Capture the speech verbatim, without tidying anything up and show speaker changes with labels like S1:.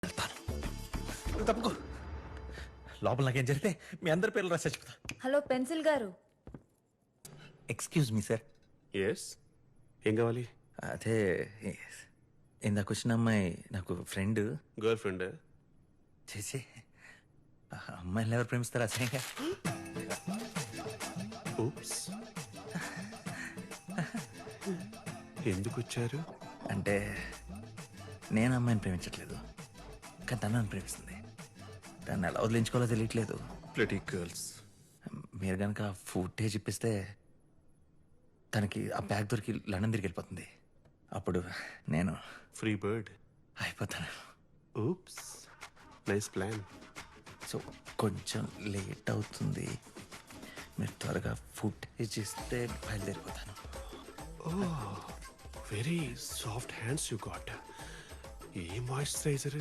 S1: వెళ్తాను. నువ్వు తప్పుకో. లోపల నాకేం జరిగితే మీ అందరి పేర్లు రాసి చచ్చిపోతా.
S2: హలో పెన్సిల్ గారు.
S1: Excuse me sir.
S3: ఎస్, ఏం కావాలి?
S1: అదే ఇందాక వచ్చిన అమ్మాయి నాకు ఫ్రెండ్.
S3: Girl friend?
S1: చేసి అమ్మాయిని ఎవరు ప్రేమిస్తారు అసహ్యంగా.
S3: ఊప్స్. ఎందుకు వచ్చారు?
S1: అంటే నేను అమ్మాయిని ప్రేమించట్లేదు, కానీ తను నన్ను ప్రేమిస్తుంది. దాన్ని ఎలా వదిలించుకోవాలో తెలియట్లేదు.
S3: ప్లటీ గర్ల్స్.
S1: మీరు కనుక ఫుటేజ్ ఇప్పిస్తే తనకి ఆ బ్యాగ్ దొరికి లండన్ తిరిగి వెళ్ళిపోతుంది. అప్పుడు నేను
S3: ఫ్రీ బర్డ్
S1: అయిపోతాను.
S3: Oops, nice plan.
S1: సో కొంచెం లేట్ అవుతుంది, మీరు త్వరగా ఫుటేజ్ ఇస్తే బయలుదేరిపోతాను.
S3: Very soft hands you got. A moisturiser